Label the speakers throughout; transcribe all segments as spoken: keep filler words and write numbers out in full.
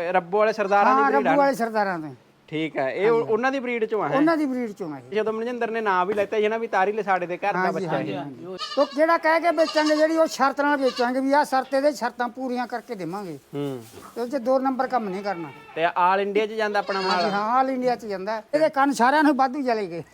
Speaker 1: ਰੱਬੋ ਵਾਲੇ ਸਰਦਾਰਾਂ ਦੀ
Speaker 2: ਹਾਂ
Speaker 1: ਬਰੀਡ
Speaker 2: ਰੱਬੂ ਵਾਲੇ ਸਰਦਾਰਾਂ ਦੇ।
Speaker 1: ਠੀਕ ਹੈ, ਇਹ ਉਹਨਾਂ ਦੀ ਬਰੀਡ ਚੋਂ ਆ।
Speaker 2: ਉਹਨਾਂ ਦੀ ਬਰੀਡ ਚੋਂ ਆ ਇਹ।
Speaker 1: ਜਦੋਂ ਮਨਜਿੰਦਰ ਨੇ ਨਾਂ ਵੀ ਲੈਤਾ ਸੀ ਨਾ ਵੀ ਤਾਰੀ ਲਸਾੜੇ ਦੇ ਘਰ ਦਾ ਬੱਚਾ ਇਹ।
Speaker 2: ਉਹ ਜਿਹੜਾ ਕਹਿ ਕੇ ਵੇਚਾਂਗੇ ਜਿਹੜੀ ਉਹ ਸ਼ਰਤ ਨਾਲ ਵੇਚਾਂਗੇ ਵੀ ਆਹ ਸ਼ਰਤ ਇਹਦੇ ਸ਼ਰਤਾਂ ਪੂਰੀਆਂ ਕਰਕੇ ਦੇਵਾਂਗੇ।
Speaker 1: ਹੂੰ
Speaker 2: ਤੇ ਉਹ 'ਚ ਦੋ ਨੰਬਰ ਕੰਮ ਨਹੀਂ ਕਰਨਾ।
Speaker 1: ਤੇ ਆਲ ਇੰਡੀਆ 'ਚ ਜਾਂਦਾ ਆਪਣਾ ਮਾਲ।
Speaker 2: ਹਾਂਜੀ ਹਾਂ ਆਲ ਇੰਡੀਆ 'ਚ ਜਾਂਦਾ। ਇਹਦੇ ਕੰਨ ਸਾਰਿਆਂ ਨੂੰ ਵਾਧੂ ਚਲੇ ਗਏ।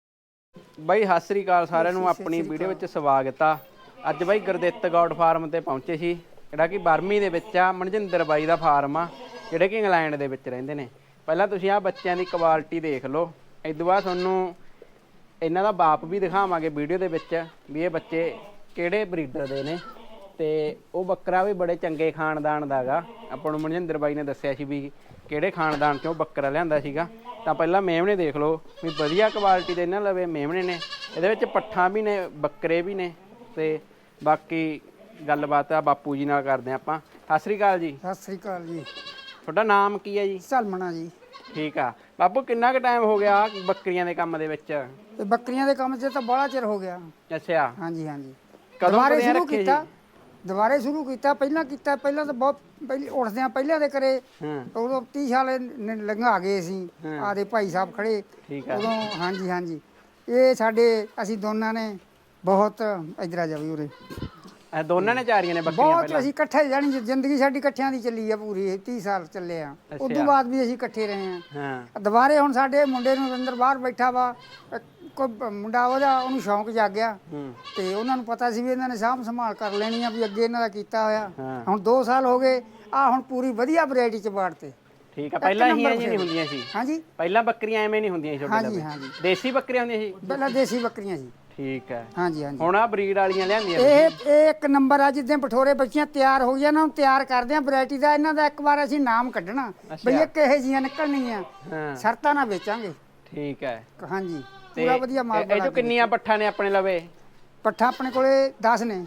Speaker 1: ਬਾਈ ਸਤਿ ਸ੍ਰੀ ਅਕਾਲ ਸਾਰਿਆਂ ਨੂੰ, ਆਪਣੀ ਵੀਡੀਓ ਵਿੱਚ ਸਵਾਗਤ ਆ। ਅੱਜ ਬਾਈ ਗੁਰਦਿੱਤ ਗੌਡ ਫਾਰਮ ਤੇ ਪਹੁੰਚੇ ਸੀ, ਜਿਹੜਾ ਕਿ ਬਰਮੀ ਦੇ ਵਿੱਚ ਆ। ਮਨਜਿੰਦਰ ਬਾਈ ਦਾ ਫਾਰਮ ਆ, ਜਿਹੜੇ ਕਿ ਇੰਗਲੈਂਡ ਦੇ ਵਿੱਚ ਰਹਿੰਦੇ ਨੇ। ਪਹਿਲਾਂ ਤੁਸੀਂ ਆਹ ਬੱਚਿਆਂ ਦੀ ਕੁਆਲਿਟੀ ਦੇਖ ਲਓ, ਇਸ ਤੋਂ ਬਾਅਦ ਤੁਹਾਨੂੰ ਇਹਨਾਂ ਦਾ ਬਾਪ ਵੀ ਦਿਖਾਵਾਂਗੇ ਵੀਡੀਓ ਦੇ ਵਿੱਚ ਵੀ ਇਹ ਬੱਚੇ ਕਿਹੜੇ ਬਰੀਡਰ ਦੇ ਨੇ। ਤੇ ਉਹ ਬੱਕਰਾ ਵੀ ਬੜੇ ਚੰਗੇ ਖਾਨਦਾਨ ਦਾ ਗਾ। ਆਪਾਂ ਨੂੰ ਮਨਜਿੰਦਰ ਬਾਈ ਨੇ ਦੱਸਿਆ ਸੀ ਵੀ ਕਿਹੜੇ ਖਾਨਦਾਨ 'ਚੋਂ ਬੱਕਰਾ ਲਿਆਂਦਾ ਸੀਗਾ। ਤਾਂ ਪਹਿਲਾਂ ਮੇਮਣੇ ਦੇਖ ਲਓ ਵੀ ਵਧੀਆ ਕੁਆਲਿਟੀ ਦੇ ਇਹਨਾਂ ਲਵੇ ਮੇਮਣੇ ਨੇ। ਇਹਦੇ ਵਿੱਚ ਪੱਠਾਂ ਵੀ ਨੇ, ਬੱਕਰੇ ਵੀ ਨੇ। ਤੇ ਬਾਕੀ ਗੱਲਬਾਤ ਆ ਬਾਪੂ ਜੀ ਨਾਲ ਕਰਦੇ ਆਪਾਂ। ਸਤਿ ਸ੍ਰੀ ਅਕਾਲ ਜੀ।
Speaker 2: ਸਤਿ ਸ੍ਰੀ ਅਕਾਲ ਜੀ।
Speaker 1: ਤੁਹਾਡਾ ਨਾਮ ਕੀ ਹੈ ਜੀ?
Speaker 2: ਝਲਮਣਾ ਜੀ।
Speaker 1: ਠੀਕ ਆ ਬਾਪੂ, ਕਿੰਨਾ ਕੁ ਟਾਈਮ ਹੋ ਗਿਆ ਬੱਕਰੀਆਂ ਦੇ ਕੰਮ ਦੇ ਵਿੱਚ?
Speaker 2: ਤੇ ਬੱਕਰੀਆਂ ਦੇ ਕੰਮ 'ਚ ਤਾਂ ਬੜਾ ਚਿਰ ਹੋ ਗਿਆ।
Speaker 1: ਅੱਛਾ,
Speaker 2: ਹਾਂਜੀ ਹਾਂਜੀ।
Speaker 1: ਕਦੋਂ
Speaker 2: ਦੁਬਾਰੇ
Speaker 1: ਕਦੇ
Speaker 2: ਸ਼ੁਰੂ
Speaker 1: ਰੱਖੇ ਜੀ?
Speaker 2: ਕੀਤਾ ਦੁਬਾਰੇ ਸ਼ੁਰੂ ਕੀਤਾ। ਪਹਿਲਾਂ ਕੀਤਾ ਪਹਿਲਾਂ ਤਾਂ ਬਹੁਤ ਪਹਿਲੇ ਉੱਠਦੇ ਆ ਪਹਿਲਾਂ ਦੇ ਕਰੇ।
Speaker 1: ਹਾਂ
Speaker 2: ਉਦੋਂ ਤੀਹ ਸਾਲ ਨ- ਲੰਘਾ ਗਏ ਅਸੀਂ। ਆਦੇ ਭਾਈ ਸਾਹਿਬ ਖੜੇ
Speaker 1: ਠੀਕ ਆ।
Speaker 2: ਉਦੋਂ। ਹਾਂਜੀ ਹਾਂਜੀ। ਇਹ ਸਾਡੇ ਅਸੀਂ ਦੋਨਾਂ ਨੇ ਬਹੁਤ ਇਧਰ ਆ ਜਾ ਵੀ ਉਰੇ
Speaker 1: ਇਹ ਦੋਨਾਂ ਨੇ ਚਾਰੀਆਂ ਨੇ ਬੱਕਰੀਆਂ
Speaker 2: ਬਹੁਤ
Speaker 1: ਪਹਿਲਾਂ?
Speaker 2: ਅਸੀਂ ਇਕੱਠੇ ਜਾਣੀ ਜ਼ਿੰਦਗੀ ਸਾਡੀ ਇਕੱਠਿਆਂ ਦੀ ਚੱਲੀ ਆ ਪੂਰੀ। ਤੀਹ ਸਾਲ ਚੱਲੇ ਆ। ਉਸ
Speaker 1: ਅੱਛਾ।
Speaker 2: ਤੋਂ ਬਾਅਦ ਵੀ ਅਸੀਂ ਇਕੱਠੇ ਰਹੇ ਆ।
Speaker 1: ਹਾਂ
Speaker 2: ਦੁਬਾਰੇ ਹੁਣ ਸਾਡੇ ਮੁੰਡੇ ਨੂੰ ਅੰਦਰ ਬਾਹਰ ਬੈਠਾ ਵਾ ਕੋਈ ਮੁੰਡਾ, ਉਹਦਾ ਉਹਨੂੰ ਸ਼ੌਂਕ ਜਾਗਿਆ।
Speaker 1: ਹੂੰ
Speaker 2: ਤੇ ਉਹਨਾਂ ਨੂੰ ਪਤਾ ਸੀ ਵੀ ਇਹਨਾਂ ਨੇ ਸਾਂਭ ਸੰਭਾਲ ਕਰ ਲੈਣੀ ਆ, ਵੀ ਅੱਗੇ ਇਹਨਾਂ ਦਾ ਕੀਤਾ ਹੋਇਆ।
Speaker 1: ਹਾਂ।
Speaker 2: ਹੁਣ ਦੋ ਸਾਲ ਹੋ ਗਏ ਆ, ਹੁਣ ਪੂਰੀ ਵਧੀਆ ਵੈਰਾਈਟੀ ਚ ਬਾੜਤੇ।
Speaker 1: ਠੀਕ ਆ। ਪਹਿਲਾਂ ਹੀ ਐਂ ਨਹੀਂ ਹੁੰਦੀਆਂ ਸੀ?
Speaker 2: ਹਾਂਜੀ
Speaker 1: ਪਹਿਲਾਂ ਬੱਕਰੀਆਂ ਐਵੇਂ ਨਹੀਂ ਹੁੰਦੀਆਂ ਸੀ ਛੋਟੇ
Speaker 2: ਹਾਂਜੀ
Speaker 1: ਲਵੇ?
Speaker 2: ਹਾਂਜੀ।
Speaker 1: ਦੇਸੀ ਬੱਕਰੀਆਂ ਹੁੰਦੀਆਂ ਸੀ?
Speaker 2: ਪਹਿਲਾਂ ਦੇਸੀ ਬੱਕਰੀਆਂ ਸੀ।
Speaker 1: ਠੀਕ ਹੈ।
Speaker 2: ਹਾਂਜੀ ਹਾਂਜੀ।
Speaker 1: ਹੁਣ ਆ ਬਰੀਡ ਵਾਲੀਆਂ ਲਿਆਂਦੀਆਂ
Speaker 2: ਇਹ ਇਹ ਇੱਕ ਨੰਬਰ ਆ। ਜਿੱਦਾਂ ਪਠੋਰੇ ਬੱਚੀਆਂ ਤਿਆਰ ਹੋ ਗਈਆਂ ਨਾ, ਤਿਆਰ ਕਰਦੇ ਆ ਵੈਰਾਈਟੀ ਦਾ। ਇਹਨਾਂ ਦਾ ਇੱਕ ਵਾਰ ਅਸੀਂ ਨਾਮ ਕੱਢਣਾ ਬਈ ਇਹ ਕਿਹੇ ਜੀਆਂ ਨਿਕਲਣੀਆਂ।
Speaker 1: ਹਾਂ
Speaker 2: ਸ਼ਰਤਾਂ ਨਾਲ ਵੇਚਾਂਗੇ।
Speaker 1: ਠੀਕ ਹੈ।
Speaker 2: ਹਾਂਜੀ
Speaker 1: ਤੇ
Speaker 2: ਪੂਰਾ ਵਧੀਆ ਮਾਲ
Speaker 1: ਇਹ ਜੋ ਕਿੰਨੀਆਂ ਪੱਠਾਂ ਨੇ ਆਪਣੇ ਲਵੇ?
Speaker 2: ਪੱਠਾ ਆਪਣੇ ਕੋਲੇ ਦਸ ਨੇ।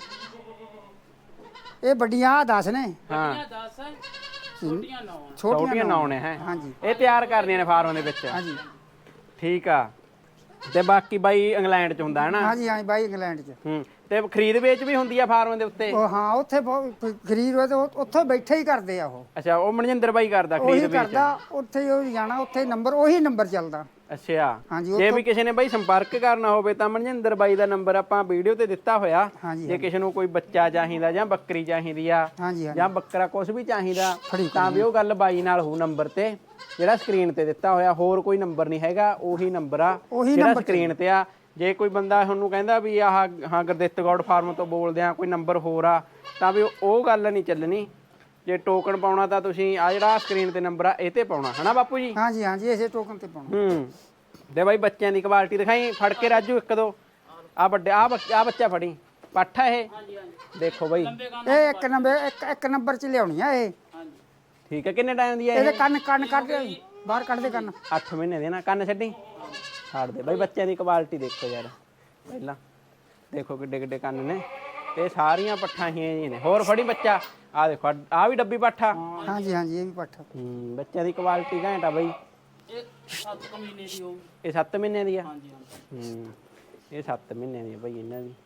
Speaker 2: ਇਹ ਵੱਡੀਆਂ ਦਸ ਨੇ।
Speaker 1: ਹਾਂ
Speaker 2: ਛੋਟੀਆਂ
Speaker 1: ਛੋਟੀਆਂ ਨੌ ਨੇ ਹੈ।
Speaker 2: ਹਾਂਜੀ
Speaker 1: ਇਹ ਤਿਆਰ ਕਰਨੀਆਂ ਨੇ ਫਾਰਮ ਦੇ ਵਿੱਚ?
Speaker 2: ਹਾਂਜੀ
Speaker 1: ਠੀਕ ਆ। ਤੇ ਬਾਕੀ ਬਾਈ ਇੰਗਲੈਂਡ ਚ ਹੁੰਦਾ ਹੈ ਨਾ?
Speaker 2: ਹਾਂਜੀ ਹਾਂਜੀ ਬਾਈ ਇੰਗਲੈਂਡ ਚ।
Speaker 1: ਹੂੰ। ਤੇ ਖਰੀਦ ਵੇਚ ਵੀ ਹੁੰਦੀ ਆ ਫਾਰਮ ਦੇ ਉੱਤੇ?
Speaker 2: ਉਹ ਹਾਂ ਉੱਥੇ ਬਹੁਤ ਖਰੀਦ ਹੋਏ ਤੇ ਉਹ- ਉੱਥੇ ਬੈਠੇ ਹੀ ਕਰਦੇ ਆ। ਉਹ
Speaker 1: ਅੱਛਾ, ਉਹ ਮਨਜਿੰਦਰ ਬਾਈ ਕਰਦਾ ਖਰੀਦ
Speaker 2: ਉਹੀ
Speaker 1: ਵੇਚ?
Speaker 2: ਕਰਦਾ। ਉੱਥੇ ਹੀ ਉਹ ਜਾਣਾ, ਉੱਥੇ ਨੰਬਰ ਉਹੀ ਨੰਬਰ ਚੱਲਦਾ।
Speaker 1: ਅੱਛਾ।
Speaker 2: ਹਾਂਜੀ
Speaker 1: ਜੇ
Speaker 2: ਉੱਥੋਂ-
Speaker 1: ਵੀ ਕਿਸੇ ਨੇ ਬਾਈ ਸੰਪਰਕ ਕਰਨਾ ਹੋਵੇ ਤਾਂ ਮਨਜਿੰਦਰ ਬਾਈ ਦਾ ਨੰਬਰ ਆਪਾਂ ਵੀਡੀਓ ਤੇ ਦਿੱਤਾ ਹੋਇਆ।
Speaker 2: ਹਾਂਜੀ
Speaker 1: ਜੇ ਕਿਸੇ ਨੂੰ ਕੋਈ ਬੱਚਾ ਚਾਹੀਦਾ ਜਾਂ ਬੱਕਰੀ ਚਾਹੀਦੀ ਆ
Speaker 2: ਹਾਂਜੀ ਹਾਂਜੀ
Speaker 1: ਜਾਂ ਬੱਕਰਾ ਕੁਝ ਵੀ ਚਾਹੀਦਾ
Speaker 2: ਫੜੀ
Speaker 1: ਤਾਂ ਵੀ ਉਹ ਗੱਲ ਬਾਈ ਨਾਲ ਹੋਊ ਨੰਬਰ ਤੇ, ਜਿਹੜਾ ਸਕਰੀਨ ਤੇ ਦਿੱਤਾ ਹੋਇਆ। ਹੋਰ ਕੋਈ ਨੰਬਰ ਨਹੀਂ ਹੈਗਾ, ਉਹੀ ਨੰਬਰ ਆ
Speaker 2: ਉਹੀ
Speaker 1: ਜਿਹੜਾ
Speaker 2: ਨੰਬਰ
Speaker 1: ਸਕਰੀਨ ਤੇ ਆ। ਜੇ ਕੋਈ ਬੰਦਾ ਤੁਹਾਨੂੰ ਕਹਿੰਦਾ ਵੀ ਆਹ ਹਾਂ ਗੁਰਦਿੱਤ ਗੌਡ ਫਾਰਮ ਤੋਂ ਬੋਲਦੇ ਆ, ਕੋਈ ਨੰਬਰ ਹੋਰ ਆ, ਤਾਂ ਵੀ ਉਹ ਗੱਲ ਨਹੀਂ ਚੱਲਣੀ। ਜੇ ਟੋਕਨ ਪਾਉਣਾ ਤਾਂ ਤੁਸੀਂ ਆ ਜਿਹੜਾ ਸਕਰੀਨ ਤੇ ਨੰਬਰ ਆ ਇਹ ਤੇ ਪਾਉਣਾ, ਹਨਾ ਬਾਪੂ ਜੀ?
Speaker 2: ਹਾਂਜੀ ਹਾਂਜੀ ਇਸੇ ਟੋਕਨ ਤੇ ਪਾਉਣਾ।
Speaker 1: ਹੂੰ। ਤੇ ਬਾਈ ਬੱਚਿਆਂ ਦੀ ਕੁਆਲਿਟੀ ਦਿਖਾਈ, ਫੜ ਕੇ ਰਾਜੂ ਇੱਕ ਦੋ। ਆ ਵੱਡੇ ਆ ਆ ਬੱਚਾ ਫੜੀ ਪੱਠਾ ਇਹ ਦੇਖੋ ਬਾਈ।
Speaker 2: ਇਹ ਇੱਕ ਨੰਬਰ ਇੱਕ ਇੱਕ ਨੰਬਰ ਚ ਲਿਆਉਣੀ ਆ ਇਹ।
Speaker 1: ਠੀਕ ਹੈ। ਕਿੰਨੇ ਟਾਈਮ ਦੀ ਹੈ
Speaker 2: ਇਹਦੇ
Speaker 1: ਇਹ?
Speaker 2: ਕੰਨ ਕੰਨ ਕੱਢ ਬਾਹਰ ਕੱਢ ਦੇ ਕੰਨ।
Speaker 1: ਅੱਠ ਮਹੀਨੇ ਦੇ ਨਾ। ਕੰਨ ਛੱਡੀ ਛੱਡ ਦੇ ਬਾਈ। ਬੱਚਿਆਂ ਦੀ ਕੁਆਲਿਟੀ ਦੇਖੋ ਯਾਰ, ਪਹਿਲਾਂ ਦੇਖੋ ਕਿੱਡੇ ਕਿੱਡੇ ਕੰਨ ਨੇ। ਤੇ ਸਾਰੀਆਂ ਪੱਠਾਂ ਹੀ ਨੇ। ਹੋਰ ਫੜੀ ਬੱਚਾ। ਆ ਦੇਖੋ ਆ ਵੀ ਡੱਬੀ ਪੱਠਾ।
Speaker 2: ਹਾਂਜੀ ਹਾਂਜੀ ਇਹ ਵੀ ਪੱਠਾ।
Speaker 1: ਹੂੰ। ਬੱਚਿਆਂ ਦੀ ਕੁਆਲਿਟੀ ਘੈਂਟ ਆ ਬਾਈ।
Speaker 3: ਇਹ ਸੱਤ ਮਹੀਨੇ ਦੀ ਹੋਊਗੀ।
Speaker 1: ਇਹ ਸੱਤ ਮਹੀਨੇ ਦੀ ਆ?
Speaker 3: ਹਾਂਜੀ ਹਾਂਜੀ।
Speaker 1: ਹੂੰ। ਇਹ ਸੱਤ ਮਹੀਨੇ ਦੀ ਆ ਬਾਈ ਇਹਨਾਂ ਦੀ।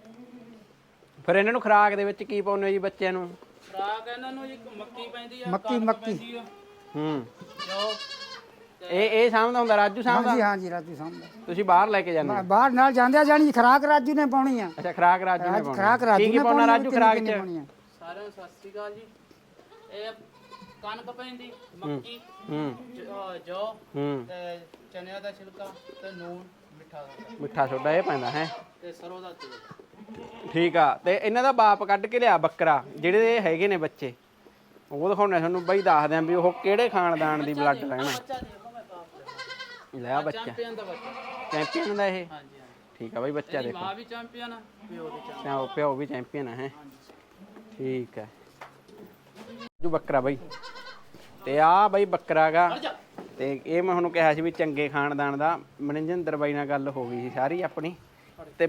Speaker 1: ਫਿਰ ਇਹਨਾਂ ਨੂੰ ਖੁਰਾਕ ਦੇ ਵਿੱਚ ਕੀ ਪਾਉਂਦੇ ਹੋ ਜੀ ਬੱਚਿਆਂ ਨੂੰ?
Speaker 3: ਖੁਰਾਕ ਇਹਨਾਂ ਨੂੰ ਜੀ ਮੱਕੀ ਪੈਂਦੀ ਆ,
Speaker 2: ਮੱਕੀ
Speaker 3: ਕਣਕ
Speaker 2: ਮੱਕੀ
Speaker 3: ਪੈਂਦੀ ਆ,
Speaker 1: ਹੂੰ।
Speaker 3: ਜੌਂ।
Speaker 1: ਇਹ ਇਹ ਸਾਂਭਦਾ ਹੁੰਦਾ ਰਾਜੂ ਸਾਂਭਦਾ?
Speaker 2: ਹਾਂਜੀ ਹਾਂਜੀ ਰਾਜੂ ਸਾਹਮਣੇ
Speaker 1: ਤੁਸੀਂ ਬਾਹਰ ਲੈ ਕੇ ਜਾਂਦੇ ਹੋ?
Speaker 2: ਬਾਹਰ ਨਾਲ ਜਾਂਦੇ ਆ। ਜਾਣੀ ਖੁਰਾਕ ਰਾਜੂ ਨੇ ਪਾਉਣੀ ਆ।
Speaker 1: ਅੱਛਾ, ਖਰਾਕ ਰਾਜੂ ਨੇ
Speaker 2: ਰਾਜ-
Speaker 1: ਪਾਉਣੀ।
Speaker 2: ਖੁਰਾਕ ਰਾਜੂ
Speaker 1: ਕੀ ਕੀ
Speaker 2: ਨੇ
Speaker 1: ਪਾਉਣਾ
Speaker 2: ਪਾਉਣੀ ਆ,
Speaker 1: ਰਾਜੂ
Speaker 2: ਕਿੰਨੀ
Speaker 1: ਖਰਾਕ
Speaker 2: ਕਿੰਨੀ
Speaker 1: ਚ?
Speaker 2: ਪਾਉਣੀ ਆ।
Speaker 3: ਸਾਰਿਆਂ ਨੂੰ ਸਤਿ ਸ੍ਰੀ ਅਕਾਲ ਜੀ। ਇਹ ਕਣਕ ਪੈਂਦੀ, ਮੱਕੀ,
Speaker 1: ਹੂੰ
Speaker 3: ਜ- ਅਹ ਜੌਂ
Speaker 1: ਹੂੰ।
Speaker 3: ਤੇ ਚਨਿਆਂ ਦਾ ਛਿਲਕਾ ਤੇ ਨੂਨ, ਮਿੱਠਾ ਸੋਡਾ
Speaker 1: ਮਿੱਠਾ ਸੋਡਾ ਇਹ ਪੈਂਦਾ ਹੈ?
Speaker 3: ਤੇ ਸਰੋਂ ਦਾ ਤੇਲ।
Speaker 1: ਠੀਕ ਆ। ਤੇ ਇਹਨਾਂ ਦਾ ਬਾਪ ਕੱਢ ਕੇ ਲਿਆ ਬੱਕਰਾ, ਜਿਹੜੇ ਇਹ ਹੈਗੇ ਨੇ ਬੱਚੇ, ਉਹ ਦਿਖਾਉਣੇ ਤੁਹਾਨੂੰ ਬਾਈ। ਦੱਸਦੇ ਆਂ ਵੀ ਉਹ ਕਿਹੜੇ ਖਾਨਦਾਨ ਦੀ ਬਲੱਡ ਰਹਿਣਾ।
Speaker 3: ਬੱਚਾ ਦੇਖੋ ਮੈਂ ਬਾਪ
Speaker 1: ਲੈ ਆ ਬੱਚਾ
Speaker 3: ਚੈਂਪੀਅਨ ਦਾ ਬੱਚਾ।
Speaker 1: ਚੈਂਪੀਅਨ ਦਾ ਇਹ?
Speaker 3: ਹਾਂਜੀ ਹਾਂਜੀ।
Speaker 1: ਠੀਕ ਆ ਬਾਈ। ਬੱਚਾ
Speaker 3: ਇਹਦੀ
Speaker 1: ਦੇਖੋ,
Speaker 3: ਮਾਂ ਵੀ ਚੈਂਪੀਅਨ ਆ, ਪਿਓ ਵੀ ਚੈਂਪੀਅਨ।
Speaker 1: ਪਿਓ ਪਿਓ ਵੀ ਚੈਂਪੀਅਨ ਹੈ। ਠੀਕ ਹੈ। ਜੋ ਬੱਕਰਾ ਬਾਈ। ਤੇ ਆ ਬਾਈ ਬੱਕਰਾ ਗਾ। ਤੇ ਇਹ ਮੈਂ ਤੁਹਾਨੂੰ ਕਿਹਾ ਸੀ ਵੀ ਚੰਗੇ ਖਾਨਦਾਨ ਦਾ। ਮਨਜਿੰਦਰ ਬਾਈ ਨਾਲ ਗੱਲ ਹੋ ਗਈ ਸੀ ਸਾਰੀ ਆਪਣੀ। ਤੇ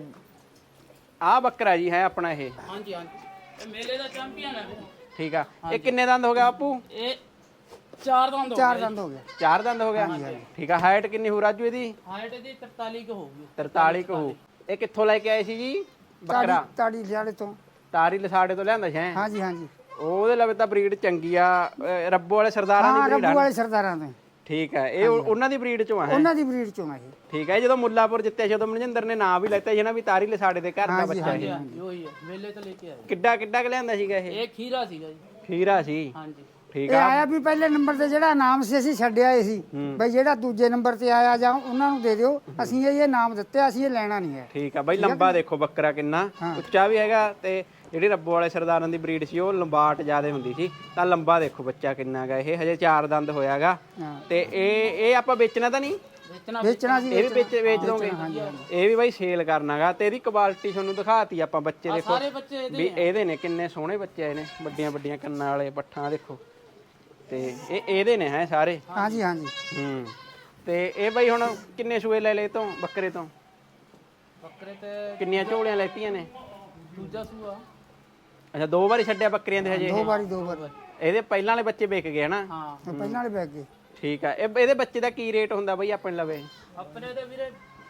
Speaker 1: ਆ ਬੱਕਰਾ ਜੀ ਹੈ ਆਪਣਾ ਇਹ?
Speaker 3: ਹਾਂਜੀ ਹਾਂਜੀ। ਇਹ ਮੇਲੇ ਦਾ ਚੈਂਪੀਅਨ ਹੈ।
Speaker 1: ਠੀਕ ਆ। ਇਹ ਕਿੰਨੇ ਦੰਦ ਹੋ ਗਿਆ ਬਾਪੂ?
Speaker 3: ਇਹ ਚਾਰ ਦੰਦ ਹੋ
Speaker 2: ਚਾਰ
Speaker 3: ਗਏ।
Speaker 2: ਦੰਦ ਹੋ ਗਿਆ।
Speaker 1: ਚਾਰ ਦੰਦ ਹੋ ਗਿਆ? ਠੀਕ ਆ। ਹਾਈਟ ਕਿੰਨੀ ਹੋ ਰਾਜੂ ਇਹਦੀ?
Speaker 3: ਹਾਈਟ ਇਹਦੀ ਤਰਤਾਲੀ ਕੁ ਹੋਊਗੀ।
Speaker 1: ਤਰਤਾਲੀ ਕੁ ਹੋ। ਇਹ ਕਿੱਥੋਂ ਲੈ ਕੇ ਆਏ ਸੀ ਜੀ ਬੱਕਰਾ?
Speaker 2: ਤਾੜੀ ਤਾੜੀ ਲਿਆੜੇ ਤੋਂ।
Speaker 1: ਤਾਰੀ ਲਸਾੜੇ ਤੋਂ ਲਿਆਂਦਾ ਸੀ ਹੈਂ?
Speaker 2: ਹਾਂਜੀ ਹਾਂਜੀ।
Speaker 1: ਉਹਦੇ ਲਵੇ ਤਾਂ ਬਰੀਡ ਚੰਗੀ ਆ ਅਹ ਰੱਬੋ ਵਾਲੇ ਸਰਦਾਰਾਂ ਦੀ
Speaker 2: ਹਾਂ
Speaker 1: ਬਰੀਡ
Speaker 2: ਰੱਬੂ
Speaker 1: ਆ।
Speaker 2: ਵਾਲੇ ਸਰਦਾਰਾਂ ਦੇ
Speaker 1: ਠੀਕ ਹੈ ਇਹ ਉਹ- ਉਹਨਾਂ ਦੀ ਬਰੀਡ ਚੋਂ ਆ ਹੈ।
Speaker 2: ਉਹਨਾਂ ਦੀ ਬਰੀਡ ਚੋਂ ਆ ਇਹ।
Speaker 1: ਠੀਕ ਹੈ ਜਦੋਂ ਮੁੱਲਾਪੁਰ ਜਿੱਤਿਆ ਸੀ ਉਦੋਂ ਮਨਜਿੰਦਰ ਨੇ ਨਾਂ ਵੀ ਲੈਤਾ ਸੀ ਨਾ ਵੀ ਤਾਰੀ ਲਸਾੜੇ ਦੇ ਘਰ ਦਾ ਬੱਚਾ ਇਹ
Speaker 3: ਉਹੀ ਹੈ ਮੇਲੇ ਤੋਂ ਲੈ ਕੇ ਆਏ
Speaker 1: ਕਿੱਡਾ ਕਿੱਡਾ ਕੁ ਲਿਆਂਦਾ ਸੀਗਾ ਇਹ
Speaker 3: ਇਹ ਖੀਰਾ ਸੀਗਾ ਜੀ
Speaker 1: ਖੀਰਾ ਸੀ
Speaker 3: ਹਾਂਜੀ
Speaker 1: ਠੀਕ
Speaker 2: ਇਹ
Speaker 1: ਆ
Speaker 2: ਆਇਆ ਵੀ ਪਹਿਲੇ ਨੰਬਰ ਤੇ ਜਿਹੜਾ ਨਾਮ ਸੀ ਅਸੀਂ ਛੱਡਿਆ ਏ ਸੀ ਬਈ ਜਿਹੜਾ ਦੂਜੇ ਨੰਬਰ ਤੇ ਆਇਆ ਜਾਂ ਉਹਨਾਂ ਨੂੰ ਦੇ ਦਿਓ ਅਸੀਂ ਇਹ ਇਹ ਨਾਮ ਦਿੱਤੇ ਅਸੀਂ ਇਹ ਲੈਣਾ ਨਹੀਂ ਹੈ।
Speaker 1: ਠੀਕ ਆ ਬਾਈ ਲੰਬਾ ਦੇਖੋ ਬੱਕਰਾ ਕਿੰਨਾ ਉੱਚਾ ਵੀ ਹੈਗਾ ਤੇ ਜਿਹੜੀ ਰੱਬੋ ਵਾਲੇ ਸਰਦਾਰਾਂ ਦੀ ਬਰੀਡ ਸੀ ਉਹ ਲੰਬਾਟ ਜ਼ਿਆਦਾ ਹੁੰਦੀ ਸੀ ਤਾਂ ਲੰਬਾ ਦੇਖੋ ਬੱਚਾ ਕਿੰਨਾ ਹੈਗਾ ਇਹ ਹਜੇ ਚਾਰ ਦੰਦ ਹੋਇਆਗਾ
Speaker 2: ਹਾਂ।
Speaker 1: ਤੇ ਇਹ ਇਹ ਆਪਾਂ ਵੇਚਣਾ ਤਾਂ ਨਹੀਂ
Speaker 3: ਵੇਚਣਾ
Speaker 2: ਵੇਚਣਾ ਸੀ
Speaker 1: ਇਹ ਵੀ ਵੇਚ ਵੇਚ ਦੋਗੇ ਇਹ ਵੀ ਬਾਈ ਸੇਲ ਕਰਨਾਗਾ ਤੇ ਇਹਦੀ ਕੁਆਲਿਟੀ ਤੁਹਾਨੂੰ ਦਿਖਾਤੀ ਆਪਾਂ ਬੱਚੇ ਦੇਖੋ
Speaker 3: ਸਾਰੇ ਬੱਚੇ ਇਹਦੇ
Speaker 1: ਵੀ ਇਹਦੇ ਨੇ ਕਿੰਨੇ ਸੋਹਣੇ ਬੱਚੇ ਆਏ ਨੇ ਵੱਡੀਆਂ ਵੱਡੀਆਂ ਕੰਨਾਂ ਵਾਲੇ ਪੱਠਾਂ ਦੇਖੋ ਤੇ ਇਹ ਇਹਦੇ ਨੇ ਹੈ ਸਾਰੇ
Speaker 2: ਹਾਂਜੀ ਹਾਂਜੀ
Speaker 1: ਹੂੰ ਤੇ ਇਹ ਬਾਈ ਹੁਣ ਕਿੰਨੇ ਸੂਏ ਲੈ ਲਏ ਤੋਂ ਬੱਕਰੇ ਤੋਂ
Speaker 3: ਬੱਕਰੇ ਤੇ
Speaker 1: ਕਿੰਨੀਆਂ ਝੋਲੀਆਂ ਲੈਤੀਆਂ ਨੇ
Speaker 3: ਦੂਜਾ ਸੂਆ
Speaker 1: ਅੱਛਾ ਦੋ ਵਾਰੀ ਛੱਡਿਆ ਬੱਕਰੀਆਂ ਦੇ ਹਜੇ
Speaker 2: ਦੋ
Speaker 1: ਇਹ?
Speaker 2: ਵਾਰੀ ਦੋ ਵਾਰੀ
Speaker 1: ਇਹਦੇ ਪਹਿਲਾਂ ਵਾਲੇ ਬੱਚੇ ਵਿਕ ਗਏ ਹਨਾ
Speaker 3: ਹਾਂ
Speaker 2: ਉਹ ਪਹਿਲਾਂ ਵਾਲੇ ਬੈਗ ਗਏ।
Speaker 1: ਠੀਕ ਆ ਇਹ ਇਹਦੇ ਬੱਚੇ ਦਾ ਕੀ ਰੇਟ ਹੁੰਦਾ ਬਾਈ ਆਪਣੇ ਲਵੇ
Speaker 3: ਆਪਣੇ ਦੇ ਵੀਰੇ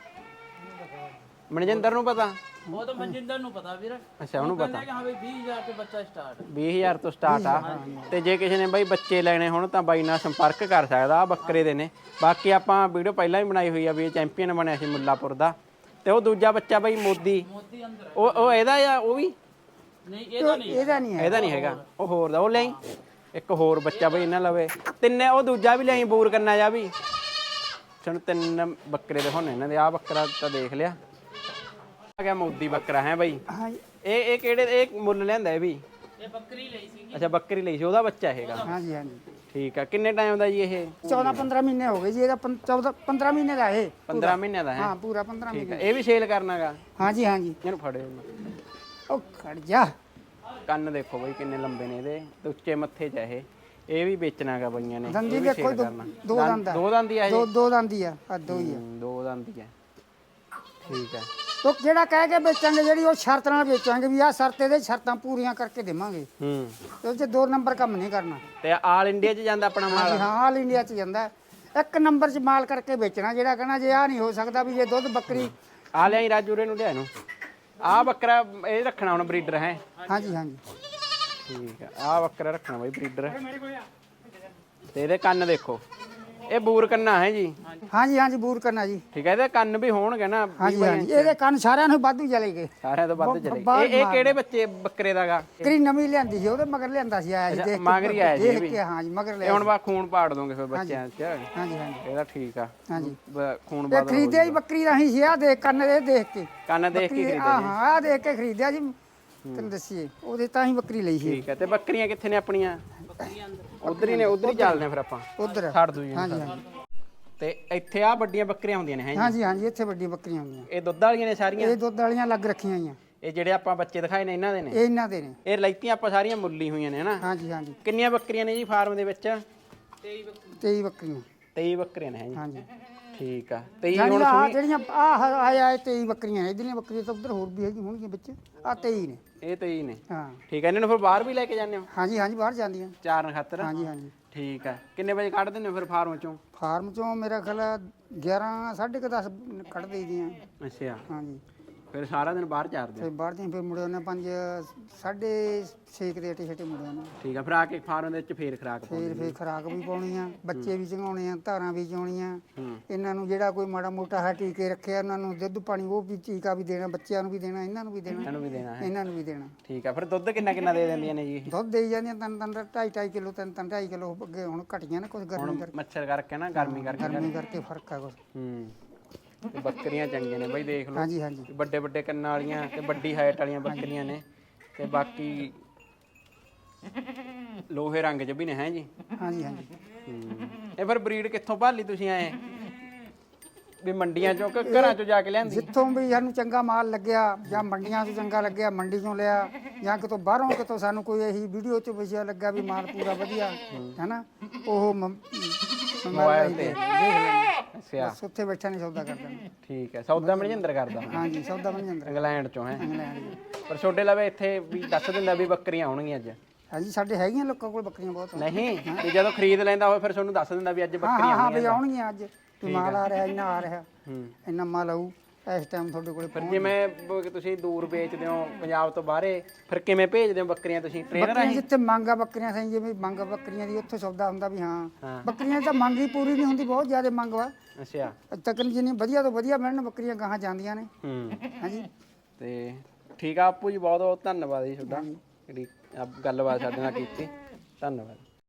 Speaker 1: ਮਨਜਿੰਦਰ ਨੂੰ ਪਤਾ
Speaker 3: ਉਹ ਤਾਂ ਮਨਜਿੰਦਰ ਨੂੰ ਪਤਾ ਵੀਰੇ
Speaker 1: ਅੱਛਾ ਉਹਨੂੰ ਪਤਾ
Speaker 3: ਕਹਿੰਦਾ ਕਿ ਹਾਂ ਬਈ ਵੀਹ ਹਜ਼ਾਰ ਤੇ ਬੱਚਾ ਸਟਾਰਟ
Speaker 1: ਵੀਹ ਹਜ਼ਾਰ ਤੋਂ ਸਟਾਰਟ ਆ ਤੇ ਜੇ ਕਿਸੇ ਨੇ ਬਾਈ ਬੱਚੇ ਲੈਣੇ ਹੋਣ ਤਾਂ ਬਾਈ ਨਾਲ ਸੰਪਰਕ ਕਰ ਸਕਦਾ ਆ ਬੱਕਰੇ ਦੇ ਨੇ ਬਾਕੀ ਆਪਾਂ ਵੀਡੀਓ ਪਹਿਲਾਂ ਹੀ ਬਣਾਈ ਹੋਈ ਆ ਵੀ ਇਹ ਚੈਂਪੀਅਨ ਬਣਿਆ ਸੀ ਮੁੱਲਾਪੁਰ ਦਾ ਤੇ ਉਹ ਦੂਜਾ ਬੱਚਾ ਬਾਈ ਮੋਦੀ
Speaker 3: ਮੋਦੀ ਅੰਦਰ
Speaker 1: ਉਹ ਉਹ ਇਹਦਾ ਆ ਉਹ ਵੀ
Speaker 3: ਨਹੀਂ ਇਹਦਾ ਨਹੀਂ
Speaker 2: ਇਹਦਾ ਨਹੀਂ ਹੈ
Speaker 1: ਇਹਦਾ ਨਹੀਂ ਹੈਗਾ ਉਹ ਹੋਰ ਦਾ ਉਹ ਲਈ ਇੱਕ ਹੋਰ ਬੱਚਾ ਬਈ ਇਹਨਾਂ ਲਵੇ ਤਿੰਨੇ ਉਹ ਦੂਜਾ ਵੀ ਲਈ ਬੂਰ ਕਰਨਾ ਜਾ ਵੀ ਸਾਨੂੰ ਤਿੰਨ ਬੱਕਰੇ ਦੇ ਹੁਣ ਇਹਨਾਂ ਦੇ ਆ ਬੱਕਰਾ ਤਾਂ ਦੇਖ ਲਿਆ ਆ ਗਿਆ ਮੋਦੀ ਬੱਕਰਾ ਹੈ ਬਈ
Speaker 2: ਹਾਂ
Speaker 1: ਇਹ ਇਹ ਕਿਹੜੇ ਇਹ ਮੁੱਲ ਲਿਆਂਦਾ ਇਹ ਵੀ
Speaker 3: ਇਹ ਬੱਕਰੀ ਲਈ ਸੀ
Speaker 1: ਅੱਛਾ ਬੱਕਰੀ ਲਈ ਸੀ ਉਹਦਾ ਬੱਚਾ ਹੈਗਾ
Speaker 2: ਹਾਂਜੀ ਹਾਂਜੀ
Speaker 1: ਠੀਕ ਆ ਕਿੰਨੇ ਟਾਈਮ ਦਾ ਜੀ ਇਹ
Speaker 2: ਚੌਦਾਂ ਪੰਦਰਾਂ ਮਹੀਨੇ ਹੋ ਗਏ ਜੀ ਇਹਦਾ ਪੰ- ਚੌਦਾਂ ਪੰਦਰਾਂ ਮਹੀਨੇ ਦਾ ਇਹ
Speaker 1: ਪੰਦਰਾਂ ਮਹੀਨਿਆਂ ਦਾ ਹੈ
Speaker 2: ਹਾਂ ਪੂਰਾ ਪੰਦਰਾਂ
Speaker 1: ਠੀਕ
Speaker 2: ਮਹੀਨੇ
Speaker 1: ਆ ਇਹ ਵੀ ਸੇਲ ਕਰਨਾਗਾ
Speaker 2: ਹਾਂਜੀ ਹਾਂਜੀ
Speaker 1: ਇਹਨੂੰ ਫੜਿਓ
Speaker 2: ਉਹ ਖੜ ਜਾ
Speaker 1: ਕੰਨ ਦੇਖੋ ਬਈ ਕਿੰਨੇ ਲੰਬੇ ਨੇ ਇਹਦੇ ਤੇ ਉੱਚੇ ਮੱਥੇ 'ਚ ਆ ਇਹ ਇਹ ਵੀ ਵੇਚਣਾਗਾ ਬਈਆਂ ਨੇ
Speaker 2: ਦੰਦੀ
Speaker 1: ਇਹ ਵੀ
Speaker 2: ਦੇਖੋ
Speaker 1: sale
Speaker 2: ਦੋ
Speaker 1: ਕਰਨਾ।
Speaker 2: ਦੋ ਦੰਦ ਆ
Speaker 1: ਦੋ ਦੰਦ ਹੀ ਆ ਇਹ
Speaker 2: ਦੋ ਦੋ ਦੰਦੀ ਆ ਆ ਦੋ ਹੀ ਆ
Speaker 1: ਹੂੰ, ਦੋ ਦੰਦ ਹੀ ਆ ਠੀਕ ਆ
Speaker 2: ਉਹ ਜਿਹੜਾ ਕਹਿ ਕੇ ਵੇਚਾਂਗੇ ਜਿਹੜੀ ਉਹ ਸ਼ਰਤ ਨਾਲ ਵੇਚਾਂਗੇ ਵੀ ਆਹ ਸ਼ਰਤ ਇਹਦੇ ਸ਼ਰਤਾਂ ਪੂਰੀਆਂ ਕਰਕੇ ਦੇਵਾਂਗੇ
Speaker 1: ਹੂੰ
Speaker 2: ਉਹ 'ਚ ਦੋ ਨੰਬਰ ਕੰਮ ਨਹੀਂ ਕਰਨਾ
Speaker 1: ਤੇ ਆਲ ਇੰਡੀਆ 'ਚ ਜਾਂਦਾ ਆਪਣਾ ਮਾਲ
Speaker 2: ਹਾਂਜੀ ਹਾਂ ਆਲ ਇੰਡੀਆ 'ਚ ਜਾਂਦਾ ਹੈ। ਇੱਕ ਨੰਬਰ 'ਚ ਮਾਲ ਕਰਕੇ ਵੇਚਣਾ ਜਿਹੜਾ ਕਹਿਣਾ ਜੇ ਆ ਨਹੀਂ ਹੋ ਸਕਦਾ ਵੀ ਜੇ ਦੁੱਧ ਬੱਕਰੀ
Speaker 1: ਆ ਲਿਆਈ ਰਾਜੂਰੇ ਨੂੰ ਲਿਆ ਇਹਨੂੰ ਆ ਬੱਕਰਾ ਇਹ ਰੱਖਣਾ ਹੁਣ ਬਰੀਡਰ ਹੈ
Speaker 2: ਹਾਂਜੀ ਹਾਂਜੀ
Speaker 1: ਠੀਕ ਆ ਆ ਬੱਕਰਾ ਰੱਖਣਾ ਬਾਈ ਬਰੀਡਰ ਤੇ ਇਹਦੇ ਕੰਨ ਦੇਖੋ ਇਹ ਬੂਰ ਕੰਨਾ ਹੈ ਜੀ
Speaker 2: ਹਾਂਜੀ ਹਾਂਜੀ ਬੂਰ ਕਰਨਾ ਜੀ
Speaker 1: ਠੀਕ ਹੈ ਇਹਦੇ ਕੰਨ ਵੀ ਹੋਣਗੇ ਨਾ
Speaker 2: ਹਾਂਜੀ ਹਾਂਜੀ ਇਹਦੇ ਕੰਨ ਸਾਰਿਆਂ ਨੂੰ ਵਾਧੂ ਚਲੇ ਗਏ
Speaker 1: ਸਾਰਿਆਂ ਤੋਂ ਵੱਧ ਚਲੇ
Speaker 2: ਬਾਹਰ
Speaker 1: ਇਹ ਇਹ ਕਿਹੜੇ ਬੱਚੇ ਬੱਕਰੇ ਦਾਗਾ
Speaker 2: ਕਰੀ ਨਵੀਂ ਲਿਆਂਦੀ ਸੀ ਉਹਦੇ ਮਗਰ ਲਿਆਂਦਾ ਸੀ ਆਇਆ ਸੀ ਦੇਖ ਕੇ
Speaker 1: ਮਗਰ ਹੀ ਆਇਆ ਜੀ ਇਹ
Speaker 2: ਦੇਖ
Speaker 1: ਵੀ।
Speaker 2: ਕੇ ਹਾਂਜੀ ਮਗਰ
Speaker 1: ਇਹ
Speaker 2: ਲਿਆ
Speaker 1: ਹੁਣ ਬਾ ਖੂਨ ਪਾੜ ਦੋਗੇ ਫਿਰ ਬੱਚਿਆਂ 'ਚ
Speaker 2: ਹਾਂਜੀ ਹਾਂਜੀ
Speaker 1: ਇਹਦਾ ਠੀਕ ਆ
Speaker 2: ਹਾਂਜੀ
Speaker 1: ਬ- ਖੂਨ
Speaker 2: ਇਹ
Speaker 1: ਬਾਦ
Speaker 2: ਖਰੀਦਿਆ ਹੀ ਬੱਕਰੀ ਰਾਹੀਂ ਸੀ ਆ ਦੇਖ ਕੰਨ ਦੇ ਦੇਖ ਕੇ
Speaker 1: ਕੰਨ ਦੇਖ ਕੇ
Speaker 2: ਬੱਕਰੀ
Speaker 1: ਖਰੀਦਿਆ
Speaker 2: ਆ ਹਾਂ ਆ ਦੇਖ ਕੇ ਖਰੀਦਿਆ ਜੀ ਤੈਨੂੰ ਦੱਸੀਏ ਉਹਦੇ ਤਾਂ ਹੀ ਬੱਕਰੀ ਲਈ ਸੀ
Speaker 1: ਠੀਕ ਹੈ ਤੇ ਬੱਕਰੀਆਂ ਕਿੱਥੇ ਨੇ ਆਪਣੀਆਂ ਉਧਰ ਹੀ ਨੇ ਉਧਰ ਹੀ ਚੱਲਦੇ ਆ ਫਿਰ ਆਪਾਂ
Speaker 2: ਉਧਰ
Speaker 1: ਛੱਡ ਦੂ ਜੀ
Speaker 2: ਹਾਂਜੀ ਹਾਂਜੀ
Speaker 1: ਤੇ ਇੱਥੇ ਆ ਵੱਡੀਆਂ ਬੱਕਰੀਆਂ ਹੁੰਦੀਆਂ ਨੇ ਹੈ ਜੀ
Speaker 2: ਹਾਂਜੀ ਹਾਂਜੀ ਇੱਥੇ ਵੱਡੀ ਬੱਕਰੀਆਂ ਹੁੰਦੀਆਂ
Speaker 1: ਇਹ ਦੁੱਧ ਵਾਲੀਆਂ ਨੇ ਸਾਰੀਆਂ
Speaker 2: ਇਹ ਦੁੱਧ ਵਾਲੀਆਂ ਲੱਗ ਰੱਖੀਆਂ ਹੋਈਆਂ
Speaker 1: ਇਹ ਜਿਹੜੇ ਆਪਾਂ ਬੱਚੇ ਦਿਖਾਏ ਨੇ ਇਹਨਾਂ ਦੇ ਨੇ
Speaker 2: ਇਹ ਇਹਨਾਂ ਦੇ ਨੇ
Speaker 1: ਇਹ ਲੈਤੀਆਂ ਆਪਾਂ ਸਾਰੀਆਂ ਮੁੱਲੀ ਹੋਈਆਂ ਨੇ ਹਨਾ
Speaker 2: ਹਾਂਜੀ ਹਾਂਜੀ
Speaker 1: ਕਿੰਨੀਆਂ ਬੱਕਰੀਆਂ ਨੇ ਜੀ ਫਾਰਮ ਦੇ ਵਿੱਚ
Speaker 2: ਤੇਈ ਬੱਕਰੀਆਂ
Speaker 1: ਤੇਈ ਬੱਕਰੀਆਂ ਨੇ ਹੈ ਜੀ
Speaker 2: ਹਾਂਜੀ
Speaker 1: ਠੀਕ ਆ ਤੇਈ
Speaker 2: ਜਾਣੀ
Speaker 1: ਹੁਣ
Speaker 2: ਆ
Speaker 1: ਸੁਣੀ
Speaker 2: ਜਿਹੜੀਆਂ ਆ ਆਇਆ ਇਹ ਤੇਈ ਬੱਕਰੀਆਂ ਨੇ ਇਧਰਲੀਆਂ ਬੱਕਰੀਆਂ ਤਾਂ ਉਧਰ ਹੋਰ ਵੀ ਹੈਗੀ ਹੋਣਗੀਆਂ ਵਿੱਚ ਆ ਤੇਈ ਨੇ
Speaker 1: ਇਹ ਤੇਈ ਨੇ
Speaker 2: ਹਾਂ
Speaker 1: ਠੀਕ ਆ ਇਹਨਾਂ ਨੂੰ ਫਿਰ ਬਾਹਰ ਵੀ ਲੈ ਕੇ ਜਾਂਦੇ ਹੋ
Speaker 2: ਹਾਂਜੀ ਹਾਂਜੀ ਬਾਹਰ ਜਾਂਦੀਆਂ
Speaker 1: ਚਾਰਨ ਖਾਤਰ
Speaker 2: ਹਾਂਜੀ ਹਾਂਜੀ
Speaker 1: ਠੀਕ ਆ ਕਿੰਨੇ ਵਜੇ ਕੱਢ ਦਿੰਦੇ ਹੋ ਫਿਰ ਫਾਰਮ ਚੋਂ
Speaker 2: ਫਾਰਮ ਚੋਂ ਮੇਰਾ ਖਿਆਲ ਆ ਗਿਆਰਾਂ ਸਾਢੇ ਕੁ ਦਸ ਕੱਢ ਦੇਈਦੀਆਂ
Speaker 1: ਅੱਛਾ
Speaker 2: ਹਾਂਜੀ
Speaker 1: ਫਿਰ ਸਾਰਾ ਦਿਨ ਬਾਹਰ ਚਾਰਦੇ ਹੋ
Speaker 2: ਫਿਰ ਬਾਹਰ ਦੀਆਂ ਫਿਰ ਮੁੜੇ ਉਹਨੇ ਪੰਜ ਸਾਢੇ ਛੇ ਕੁ ਦੇ ਅਟੇ ਛਟੇ ਮੁੜੇ ਉਹਨੇ
Speaker 1: ਠੀਕ ਆ ਫਿਰ ਆ ਕੇ ਫਾਰਮ ਦੇ ਵਿੱਚ ਫੇਰ ਖਰਾਕ ਪਾਉਂਦੇ
Speaker 2: ਫਿਰ ਫਿਰ ਖਰਾਕ ਵੀ ਪਾਉਣੀ ਆ ਬੱਚੇ ਵੀ ਚੰਗਾਉਣੇ ਆ ਧਾਰਾਂ ਵੀ ਚੋਣੀਆਂ
Speaker 1: ਹੂੰ
Speaker 2: ਇਹਨਾਂ ਨੂੰ ਜਿਹੜਾ ਕੋਈ ਮਾੜਾ ਮੋਟਾ ਹੈ ਟੀਕੇ ਰੱਖਿਆ ਉਹਨਾਂ ਨੂੰ ਦੁੱਧ ਪਾਣੀ ਉਹ ਵੀ ਟੀਕਾ ਵੀ ਦੇਣਾ ਬੱਚਿਆਂ ਨੂੰ ਵੀ ਦੇਣਾ ਇਹਨਾਂ ਨੂੰ ਵੀ ਦੇਣਾ
Speaker 1: ਇਹਨਾਂ ਨੂੰ ਵੀ ਦੇਣਾ ਹੈ
Speaker 2: ਇਹਨਾਂ ਨੂੰ ਵੀ ਦੇਣਾ
Speaker 1: ਠੀਕ ਆ ਫਿਰ ਦੁੱਧ ਕਿੰਨਾ ਕਿੰਨਾ ਦੇ ਦਿੰਦੀਆਂ ਨੇ ਜੀ ਇਹ?
Speaker 2: ਦੁੱਧ ਦੇਈ ਜਾਂਦੀਆਂ ਤਿੰਨ ਤਿੰਨ ਢਾਈ ਢਾਈ ਕਿਲੋ ਤਿੰਨ ਤਿੰਨ ਢਾਈ ਕਿਲੋ ਅੱਗੇ ਹੁਣ ਘਟੀਆਂ ਨੇ ਕੁਝ ਗਰਮੀ ਕਰਕੇ
Speaker 1: ਮੱਛਰ ਕਰਕੇ ਨਾ ਗਰਮੀ ਕਰਕੇ
Speaker 2: ਗਰਮੀ ਕਰਕੇ ਫਰਕ ਆ ਕੁਝ
Speaker 1: ਹੂੰ ਤੇ ਬੱਕਰੀਆਂ ਚੰਗੀਆਂ ਨੇ ਬਾਈ ਦੇਖ ਲਓ
Speaker 2: ਹਾਂਜੀ ਹਾਂਜੀ
Speaker 1: ਵੱਡੇ ਵੱਡੇ ਕੰਨਾਂ ਵਾਲੀਆਂ ਤੇ ਵੱਡੀ ਹਾਈਟ ਵਾਲੀਆਂ ਬੱਕਰੀਆਂ ਨੇ ਤੇ ਬਾਕੀ ਲੋਹੇ ਰੰਗ 'ਚ ਵੀ ਨੇ ਹੈ ਜੀ
Speaker 2: ਹਾਂਜੀ ਹਾਂਜੀ
Speaker 1: ਹੂੰ ਇਹ ਫਿਰ ਬਰੀਡ ਕਿੱਥੋਂ ਭਾਲੀ ਤੁਸੀਂ ਆਏ ਵੀ ਮੰਡੀਆਂ ਚੋਂ ਕਿ ਘਰਾਂ ਚੋਂ ਜਾ ਕੇ ਲਿਆਂਦੀ
Speaker 2: ਜਿੱਥੋਂ ਵੀ ਸਾਨੂੰ ਚੰਗਾ ਮਾਲ ਲੱਗਿਆ ਜਾਂ ਮੰਡੀਆਂ 'ਚੋਂ ਚੰਗਾ ਲੱਗਿਆ ਮੰਡੀ 'ਚੋਂ ਲਿਆ ਜਾਂ ਕਿਤੋਂ ਬਾਹਰੋਂ ਕਿਤੋਂ ਸਾਨੂੰ ਕੋਈ ਇਹੀ ਵੀਡੀਓ 'ਚ ਵਿਸ਼ਾ ਲੱਗਾ ਵੀ ਮਾਲ ਪੂਰਾ ਵਧੀਆ ਹੈਨਾ ਉਹ ਮ-
Speaker 1: ਮੋਬਾਈਲ ਤੇ ਅੱਛਾ
Speaker 2: ਬਸ ਉੱਥੇ ਬੈਠਾ ਨਹੀਂ ਸੌਦਾ ਕਰਦਾ
Speaker 1: ਠੀਕ ਹੈ ਸੌਦਾ ਮਨਜਿੰਦਰ ਕਰਦਾ
Speaker 2: ਹਾਂਜੀ ਸੌਦਾ ਬਣ ਜਾਂਦਾ
Speaker 1: ਇੰਗਲੈਂਡ ਚੋਂ ਹੈ
Speaker 2: ਇੰਗਲੈਂਡ ਦੀ।
Speaker 1: ਪਰ ਛੋਟੇ ਲਵੇ ਇੱਥੇ ਵੀ ਦੱਸ ਦਿੰਦਾ ਵੀ ਬੱਕਰੀਆਂ ਆਉਣਗੀਆਂ ਅੱਜ
Speaker 2: ਹਾਂਜੀ ਸਾਡੇ ਹੈਗੀਆਂ ਲੋਕਾਂ ਕੋਲ ਬੱਕਰੀਆਂ ਬਹੁਤ
Speaker 1: ਨਹੀਂ ਤੇ ਜਦੋਂ ਖਰੀਦ ਲੈਂਦਾ ਹੋਵੇ ਫਿਰ ਤੁਹਾਨੂੰ ਦੱਸ ਦਿੰਦਾ ਵੀ ਅੱਜ
Speaker 2: ਹਾਂ
Speaker 1: ਬੱਕਰੀਆਂ
Speaker 2: ਹਾਂ ਹਾਂ
Speaker 1: ਆਉਣਗੀਆਂ
Speaker 2: ਵੀ ਆਉਣਗੀਆਂ ਅੱਜ ਵੀ ਮਾਲ ਆ ਰਿਹਾ ਇੰਨਾ ਆ ਰਿਹਾ
Speaker 1: ਹੂੰ
Speaker 2: ਇੰਨਾ ਮਾਲ ਆਊ ਇਸ ਟਾਈਮ ਤੁਹਾਡੇ ਕੋਲੇ
Speaker 1: ਫਿਰ ਜਿਵੇਂ ਬ- ਤੁਸੀਂ ਦੂਰ ਵੇਚਦੇ ਹੋ ਪੰਜਾਬ ਤੋਂ ਬਾਹਰੇ, ਫਿਰ ਕਿਵੇਂ ਭੇਜਦੇ ਹੋ ਬੱਕਰੀਆਂ ਤੁਸੀਂ ਟ੍ਰੇਨਰ
Speaker 2: ਬੱਕਰੀਆਂ ਜਿੱਥੇ ਮੰਗ ਆ ਬੱਕਰੀਆਂ ਸਹੀ ਜਿਵੇਂ ਮੰਗ ਆ ਬੱਕਰੀਆਂ ਦੀ ਉੱਥੇ ਸੌਦਾ ਹੁੰਦਾ ਵੀ ਹਾਂ
Speaker 1: ਹਾਂ।
Speaker 2: ਬੱਕਰੀਆਂ ਦੀ ਤਾਂ ਮੰਗ ਹੀ ਪੂਰੀ ਨਹੀਂ ਹੁੰਦੀ, ਬਹੁਤ ਜ਼ਿਆਦਾ ਮੰਗ ਵਾ
Speaker 1: ਅੱਛਾ।
Speaker 2: ਤੱਕਨ ਜਿੰਨੀ ਵਧੀਆ ਤੋਂ ਵਧੀਆ ਮਿਲਣ ਬੱਕਰੀਆਂ ਗਾਹਾਂ ਜਾਂਦੀਆਂ ਨੇ।
Speaker 1: ਹੂੰ
Speaker 2: ਹਾਂਜੀ
Speaker 1: ਤੇ ਠੀਕ ਆ ਆਪੂ ਜੀ, ਬਹੁਤ ਬਹੁਤ ਧੰਨਵਾਦ ਜੀ ਤੁਹਾਡਾ ਜਿਹੜੀ ਆਹ ਗੱਲਬਾਤ ਸਾਡੇ ਨਾਲ ਕੀਤੀ। ਧੰਨਵਾਦ।